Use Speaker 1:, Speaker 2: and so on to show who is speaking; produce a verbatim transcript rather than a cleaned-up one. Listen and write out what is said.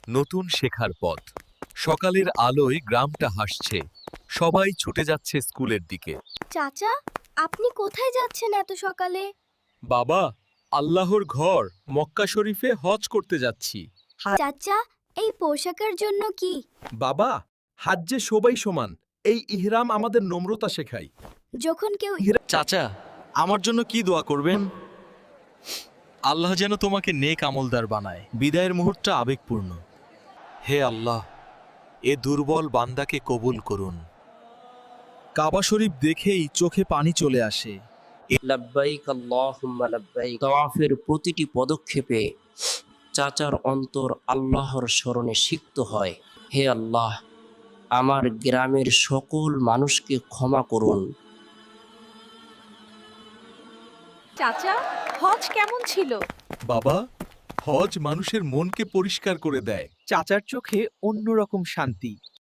Speaker 1: নতুন শেখার পথ। সকালের আলোয় গ্রামটা হাসছে, সবাই ছুটে যাচ্ছে স্কুলের দিকে।
Speaker 2: চাচা, আপনি কোথায় যাচ্ছেন এত সকালে?
Speaker 1: বাবা, আল্লাহর ঘর মক্কা শরীফে হজ করতে যাচ্ছি।
Speaker 2: চাচা, এই পোশাকের জন্য কি?
Speaker 1: বাবা, হাজ্জে সবাই সমান, এই ইহরাম আমাদের নম্রতা শেখায়।
Speaker 2: যখন কেউ
Speaker 1: চাচা, আমার জন্য কি দোয়া করবেন? আল্লাহ যেন তোমাকে নেক আমলদার বানায়। বিদায়ের মুহূর্তটা আবেগপূর্ণ। হে আল্লাহ, এ দুর্বল বান্দাকে কবুল করুন। কাবা শরীফ দেখেই চোখে পানি চলে আসে।
Speaker 3: লাব্বাইক আল্লাহুম্মা লাব্বাইক। তাওয়াফের প্রতিটি পদক্ষেপে চাচার অন্তর আল্লাহর স্মরণে সিক্ত হয়। হে আল্লাহ, আমার গ্রামের সকল মানুষকে ক্ষমা করুন।
Speaker 4: চাচা, হজ কেমন ছিল?
Speaker 1: বাবা, হজ মানুষের মনকে পরিষ্কার করে দেয়।
Speaker 5: চাচার চোখে অন্যরকম শান্তি।